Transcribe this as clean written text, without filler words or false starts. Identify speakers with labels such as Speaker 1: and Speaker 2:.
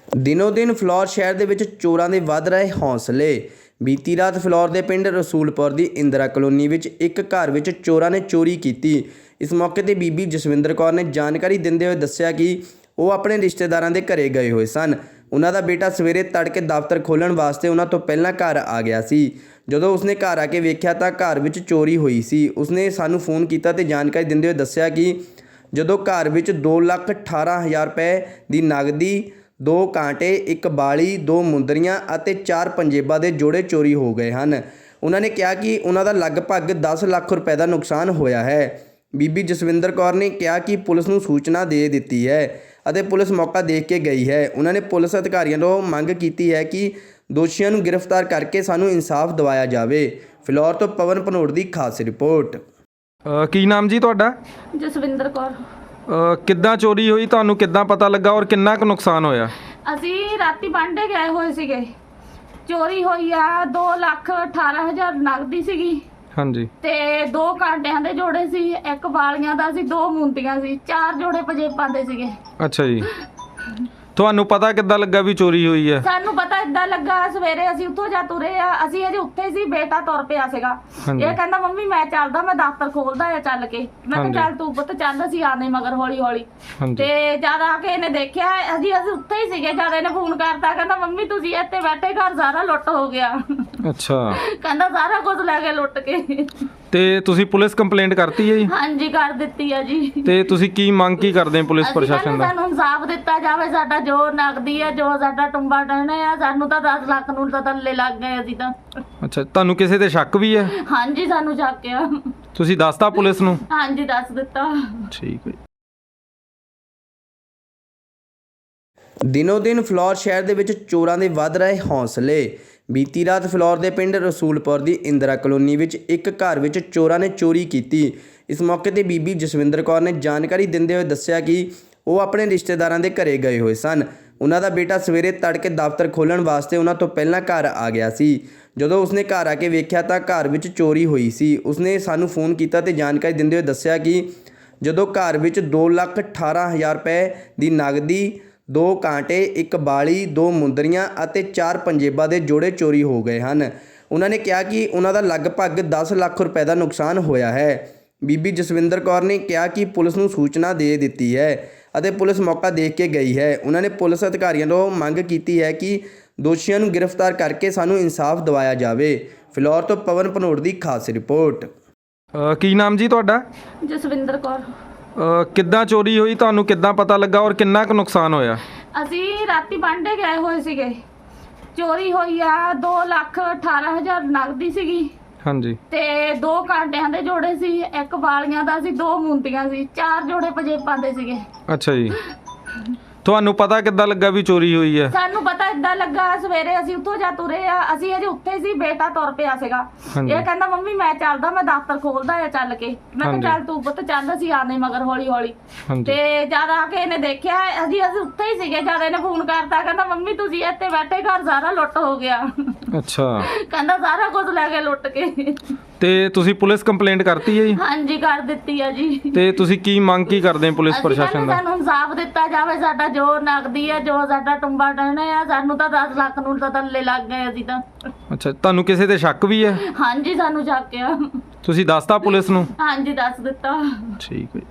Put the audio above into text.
Speaker 1: ਦਿਨੋਂ ਦਿਨ ਫਲੋਰ ਸ਼ਹਿਰ ਦੇ ਵਿੱਚ ਚੋਰਾਂ ਦੇ ਵੱਧ ਰਹੇ ਹੌਸਲੇ। ਬੀਤੀ ਰਾਤ ਫਲੋਰ ਦੇ ਪਿੰਡ ਰਸੂਲਪੁਰ ਦੀ ਇੰਦਰਾ ਕਲੋਨੀ ਵਿੱਚ ਇੱਕ ਘਰ ਵਿੱਚ ਚੋਰਾਂ ਨੇ ਚੋਰੀ ਕੀਤੀ। ਇਸ ਮੌਕੇ ਤੇ ਬੀਬੀ ਜਸਵਿੰਦਰ ਕੌਰ ਨੇ ਜਾਣਕਾਰੀ ਦਿੰਦੇ ਹੋਏ ਦੱਸਿਆ ਕਿ ਉਹ ਆਪਣੇ ਰਿਸ਼ਤੇਦਾਰਾਂ ਦੇ ਘਰੇ ਗਏ ਹੋਏ ਸਨ। ਉਹਨਾਂ ਦਾ ਬੇਟਾ ਸਵੇਰੇ ਤੜਕੇ ਦਫ਼ਤਰ ਖੋਲ੍ਹਣ ਵਾਸਤੇ ਉਹਨਾਂ ਤੋਂ ਪਹਿਲਾਂ ਘਰ ਆ ਗਿਆ ਸੀ। ਜਦੋਂ ਉਸਨੇ ਘਰ ਆ ਕੇ ਵੇਖਿਆ ਤਾਂ ਘਰ ਵਿੱਚ ਚੋਰੀ ਹੋਈ ਸੀ। ਉਸਨੇ ਸਾਨੂੰ ਫੋਨ ਕੀਤਾ ਤੇ ਜਾਣਕਾਰੀ ਦਿੰਦੇ ਹੋਏ ਦੱਸਿਆ ਕਿ ਜਦੋਂ ਘਰ ਵਿੱਚ 2,18,000 ਰੁਪਏ ਦੀ ਨਗਦੀ, 2 ਕਾਂਟੇ, 1 ਬਾਲੀ, 2 ਮੁੰਦਰੀਆਂ ਅਤੇ 4 ਪੰਜੇਬਾਂ ਦੇ ਜੋੜੇ ਚੋਰੀ ਹੋ ਗਏ ਹਨ। ਉਹਨਾਂ ਨੇ ਕਿਹਾ ਕਿ ਉਹਨਾਂ ਦਾ ਲਗਭਗ 10 ਲੱਖ ਰੁਪਏ ਦਾ ਨੁਕਸਾਨ ਹੋਇਆ ਹੈ। ਬੀਬੀ ਜਸਵਿੰਦਰ ਕੌਰ ਨੇ ਕਿਹਾ ਕਿ ਪੁਲਿਸ ਨੂੰ ਸੂਚਨਾ ਦੇ ਦਿੱਤੀ ਹੈ ਅਤੇ ਪੁਲਿਸ ਮੌਕਾ ਦੇਖ ਕੇ ਗਈ ਹੈ। ਉਹਨਾਂ ਨੇ ਪੁਲਿਸ ਅਧਿਕਾਰੀਆਂ ਤੋਂ ਮੰਗ ਕੀਤੀ ਹੈ ਕਿ ਦੋਸ਼ੀਆਂ ਨੂੰ ਗ੍ਰਿਫਤਾਰ ਕਰਕੇ ਸਾਨੂੰ ਇਨਸਾਫ ਦਿਵਾਇਆ ਜਾਵੇ। ਫਿਲੌਰ ਤੋਂ ਪਵਨ ਭਨੋਟ ਦੀ ਖਾਸ ਰਿਪੋਰਟ।
Speaker 2: ਕੀ ਨਾਮ ਜੀ ਤੁਹਾਡਾ?
Speaker 3: ਜਸਵਿੰਦਰ ਕੌਰ।
Speaker 2: ਕਿੱਦਾਂ ਚੋਰੀ ਹੋਈ, ਤੁਹਾਨੂੰ ਕਿੱਦਾਂ ਪਤਾ ਲੱਗਾ ਔਰ ਕਿੰਨਾ ਕੁ ਨੁਕਸਾਨ ਹੋਇਆ?
Speaker 3: ਅਸੀਂ ਰਾਤੀ ਬਾਂਡੇ ਗਏ ਹੋਏ ਸੀਗੇ, ਚੋਰੀ ਹੋਈ ਆ 2,18,000 ਨਗਦੀ ਸੀਗੀ।
Speaker 2: ਹਾਂਜੀ।
Speaker 3: ਤੇ 2 ਕਾਂਟਿਆਂ ਦੇ ਜੋੜੇ ਸੀ, 1 ਵਾਲੀਆਂ ਦਾ ਸੀ, 2 ਮੁੰਦੀਆਂ ਸੀ, 4 ਜੋੜੇ ਪੰਜੇਬਾਂ ਦੇ ਸੀਗੇ।
Speaker 2: ਅੱਛਾ ਜੀ, ਤੁਹਾਨੂੰ ਪਤਾ ਕਿੱਦਾਂ ਲੱਗਾ ਵੀ ਚੋਰੀ ਹੋਈ ਹੈ?
Speaker 3: ਸਾਨੂੰ ਪਤਾ ਇਦਾਂ ਲੱਗਾ, ਸਵੇਰੇ ਅਸੀਂ ਉੱਥੋਂ ਜਾ ਤੁਰੇ ਆ, ਅਸੀਂ ਅਜੇ ਉੱਥੇ ਸੀ, ਬੇਟਾ ਤੁਰ ਪਿਆ ਸੀਗਾ। ਇਹ ਕਹਿੰਦਾ ਮੰਮੀ ਮੈਂ ਚੱਲਦਾ, ਮੈਂ ਦਫ਼ਤਰ ਖੋਲਦਾ ਆ ਚੱਲ ਕੇ। ਮੈਂ ਕਿਹਾ ਚੱਲ ਤੂੰ ਪੁੱਤ ਚੱਲ, ਅਸੀਂ ਆਨੇ ਮਗਰ ਹੌਲੀ ਹੌਲੀ। ਤੇ ਜਦ ਆ ਕੇ ਇਹਨੇ ਦੇਖਿਆ ਅਸੀਂ ਉੱਥੇ ਹੀ ਸੀਗੇ, ਜਦ ਇਹਨੇ ਫੋਨ ਕਰਤਾ, ਕਹਿੰਦਾ ਮੰਮੀ ਤੁਸੀਂ ਇੱਥੇ ਬੈਠੇ, ਘਰ ਸਾਰਾ ਲੁੱਟ ਹੋ ਗਿਆ।
Speaker 2: ਅੱਛਾ।
Speaker 3: ਕਹਿੰਦਾ ਸਾਰਾ ਕੁਝ ਲੈ ਕੇ ਲੁੱਟ ਕੇ।
Speaker 2: ਤੇ ਤੁਸੀਂ ਪੁਲਿਸ ਕੰਪਲੇਂਟ ਕਰਤੀ ਹੈ ਜੀ?
Speaker 3: ਹਾਂਜੀ ਕਰ ਦਿੱਤੀ ਆ ਜੀ।
Speaker 2: ਤੇ ਤੁਸੀਂ ਕੀ ਮੰਗ ਕੀ ਕਰਦੇ ਪੁਲਿਸ ਪ੍ਰਸ਼ਾਸਨ ਦਾ?
Speaker 3: ਸਾਨੂੰ ਇਨਸਾਫ ਦਿੱਤਾ ਜਾਵੇ, ਸਾਡਾ ਜੋ ਨਗਦੀ ਹੈ, ਜੋ ਸਾਡਾ ਟੁੰਬਾ ਟਹਿਣਾ ਆ, ਸਾਨੂੰ ਤਾਂ 10 ਲੱਖ ਨੂੰ ਤਾਂ ਥੱਲੇ ਲੱਗ ਗਏ ਅਸੀਂ ਤਾਂ।
Speaker 2: ਅੱਛਾ, ਤੁਹਾਨੂੰ ਕਿਸੇ ਤੇ ਸ਼ੱਕ ਵੀ ਹੈ?
Speaker 3: ਹਾਂਜੀ ਸਾਨੂੰ ਸ਼ੱਕ ਆ।
Speaker 2: ਤੁਸੀਂ ਦੱਸਤਾ ਪੁਲਿਸ ਨੂੰ?
Speaker 3: ਹਾਂਜੀ ਦੱਸ ਦਿੱਤਾ।
Speaker 2: ਠੀਕ ਹੈ।
Speaker 1: ਦਿਨੋਂ ਦਿਨ ਫਲੋਰ ਸ਼ਹਿਰ ਦੇ ਵਿੱਚ ਚੋਰਾਂ ਦੇ ਵੱਧ ਰਹੇ ਹੌਸਲੇ। ਬੀਤੀ ਰਾਤ ਫਲੋਰ ਦੇ ਪਿੰਡ ਰਸੂਲਪੁਰ ਦੀ ਇੰਦਰਾ ਕਲੋਨੀ ਵਿੱਚ ਇੱਕ ਘਰ ਵਿੱਚ ਚੋਰਾਂ ਨੇ ਚੋਰੀ ਕੀਤੀ। ਇਸ ਮੌਕੇ ਤੇ ਬੀਬੀ ਜਸਵਿੰਦਰ ਕੌਰ ਨੇ ਜਾਣਕਾਰੀ ਦਿੰਦੇ ਹੋਏ ਦੱਸਿਆ ਕਿ ਉਹ ਆਪਣੇ ਰਿਸ਼ਤੇਦਾਰਾਂ ਦੇ ਘਰੇ ਗਏ ਹੋਏ ਸਨ। ਉਹਨਾਂ ਦਾ ਬੇਟਾ ਸਵੇਰੇ ਤੜਕੇ ਦਫ਼ਤਰ ਖੋਲ੍ਹਣ ਵਾਸਤੇ ਉਹਨਾਂ ਤੋਂ ਪਹਿਲਾਂ ਘਰ ਆ ਗਿਆ ਸੀ। ਜਦੋਂ ਉਸਨੇ ਘਰ ਆ ਕੇ ਵੇਖਿਆ ਤਾਂ ਘਰ ਵਿੱਚ ਚੋਰੀ ਹੋਈ ਸੀ। ਉਸਨੇ ਸਾਨੂੰ ਫੋਨ ਕੀਤਾ ਤੇ ਜਾਣਕਾਰੀ ਦਿੰਦੇ ਹੋਏ ਦੱਸਿਆ ਕਿ ਜਦੋਂ ਘਰ ਵਿੱਚ 2,18,000 ਰੁਪਏ ਦੀ ਨਗਦੀ, 2 ਕਾਂਟੇ, 1 ਬਾਲੀ, 2 ਮੁੰਦਰੀਆਂ ਅਤੇ 4 ਪੰਜੇਬਾਂ ਦੇ ਜੋੜੇ ਚੋਰੀ ਹੋ ਗਏ ਹਨ। ਉਹਨਾਂ ਨੇ ਕਿਹਾ ਕਿ ਉਹਨਾਂ ਦਾ ਲਗਭਗ 10 ਲੱਖ ਰੁਪਏ ਦਾ ਨੁਕਸਾਨ ਹੋਇਆ ਹੈ। ਬੀਬੀ ਜਸਵਿੰਦਰ ਕੌਰ ਨੇ ਕਿਹਾ ਕਿ ਪੁਲਿਸ ਨੂੰ ਸੂਚਨਾ ਦੇ ਦਿੱਤੀ ਹੈ ਅਤੇ ਪੁਲਿਸ ਮੌਕਾ ਦੇਖ ਕੇ ਗਈ ਹੈ। ਉਹਨਾਂ ਨੇ ਪੁਲਿਸ ਅਧਿਕਾਰੀਆਂ ਤੋਂ ਮੰਗ ਕੀਤੀ ਹੈ ਕਿ ਦੋਸ਼ੀਆਂ ਨੂੰ ਗ੍ਰਿਫਤਾਰ ਕਰਕੇ ਸਾਨੂੰ ਇਨਸਾਫ ਦਿਵਾਇਆ ਜਾਵੇ। ਫਿਲੌਰ ਤੋਂ ਪਵਨ ਭਨੋਟ ਦੀ ਖਾਸ ਰਿਪੋਰਟ।
Speaker 2: ਕੀ ਨਾਮ ਜੀ ਤੁਹਾਡਾ?
Speaker 3: ਜਸਵਿੰਦਰ ਕੌਰ।
Speaker 2: ਕਿੱਦਾਂ ਚੋਰੀ ਹੋਈ, ਤੁਹਾਨੂੰ ਕਿੱਦਾਂ ਪਤਾ ਲੱਗਾ ਔਰ ਕਿੰਨਾ ਕੁ ਨੁਕਸਾਨ ਹੋਇਆ?
Speaker 3: ਅਸੀਂ ਰਾਤੀ ਬਾਂਡੇ ਗਏ ਹੋਏ ਸੀਗੇ, ਚੋਰੀ ਹੋਈ ਆ 2,18,000 ਨਗਦੀ ਸੀਗੀ।
Speaker 2: ਹਾਂਜੀ।
Speaker 3: ਤੇ 2 ਕਾਂਟਿਆਂ ਦੇ ਜੋੜੇ ਸੀ, 1 ਵਾਲੀਆਂ ਦਾ ਸੀ, 2 ਮੁੰਦੀਆਂ ਸੀ, 4 ਜੋੜੇ ਪੰਜੇਬਾਂ ਦੇ ਸੀਗੇ।
Speaker 2: ਅੱਛਾ ਜੀ, ਤੁਹਾਨੂੰ ਪਤਾ ਕਿੱਦਾਂ ਲੱਗਾ ਵੀ ਚੋਰੀ ਹੋਈ ਹੈ?
Speaker 3: ਸਾਨੂੰ ਪਤਾ ਇਦਾਂ ਲੱਗਾ, ਸਵੇਰੇ ਅਸੀਂ ਉੱਥੋਂ ਜਾ ਤੁਰੇ ਆ, ਅਸੀਂ ਅਜੇ ਉੱਥੇ ਸੀ, ਬੇਟਾ ਤੁਰ ਪਿਆ ਸੀਗਾ। ਇਹ ਕਹਿੰਦਾ ਮੰਮੀ ਮੈਂ ਚੱਲਦਾ, ਮੈਂ ਦਫ਼ਤਰ ਖੋਲਦਾ ਆ ਚੱਲ ਕੇ। ਮੈਂ ਕਿਹਾ ਚੱਲ ਤੂੰ ਪੁੱਤ ਚੱਲ, ਅਸੀਂ ਆਨੇ ਮਗਰ ਹੌਲੀ ਹੌਲੀ। ਤੇ ਜਦ ਆ ਕੇ ਇਹਨੇ ਦੇਖਿਆ ਅਸੀਂ ਉੱਥੇ ਹੀ ਸੀਗੇ, ਜਦ ਇਹਨੇ ਫੋਨ ਕਰਤਾ, ਕਹਿੰਦਾ ਮੰਮੀ ਤੁਸੀਂ ਇੱਥੇ ਬੈਠੇ, ਘਰ ਸਾਰਾ ਲੁੱਟ ਹੋ ਗਿਆ।
Speaker 2: ਅੱਛਾ।
Speaker 3: ਕਹਿੰਦਾ ਸਾਰਾ ਕੁਝ ਲੈ ਕੇ ਲੁੱਟ ਕੇ।
Speaker 2: ਤੇ ਤੁਸੀਂ ਪੁਲਿਸ ਕੰਪਲੇਂਟ ਕਰਤੀ ਹੈ ਜੀ?
Speaker 3: ਹਾਂਜੀ ਕਰ ਦਿੱਤੀ ਆ ਜੀ।
Speaker 2: ਤੇ ਤੁਸੀਂ ਕੀ ਮੰਗ ਕੀ ਕਰਦੇ ਪੁਲਿਸ ਪ੍ਰਸ਼ਾਸਨ ਦਾ?
Speaker 3: ਸਾਨੂੰ ਇਨਸਾਫ ਦਿੱਤਾ ਜਾਵੇ, ਸਾਡਾ ਜੋ ਨਗਦੀ ਹੈ, ਜੋ ਸਾਡਾ ਟੁੰਬਾ ਟਹਿਣਾ ਆ, ਸਾਨੂੰ ਤਾਂ 10 ਲੱਖ ਨੂੰ ਤਾਂ ਥੱਲੇ ਲੱਗ ਗਏ ਅਸੀਂ ਤਾਂ।
Speaker 2: ਅੱਛਾ, ਤੁਹਾਨੂੰ ਕਿਸੇ ਤੇ ਸ਼ੱਕ ਵੀ ਹੈ?
Speaker 3: ਹਾਂਜੀ ਸਾਨੂੰ ਸ਼ੱਕ ਆ।
Speaker 2: ਤੁਸੀਂ ਦੱਸਤਾ ਪੁਲਿਸ ਨੂੰ?
Speaker 3: ਹਾਂਜੀ ਦੱਸ ਦਿੱਤਾ।
Speaker 2: ਠੀਕ ਹੈ।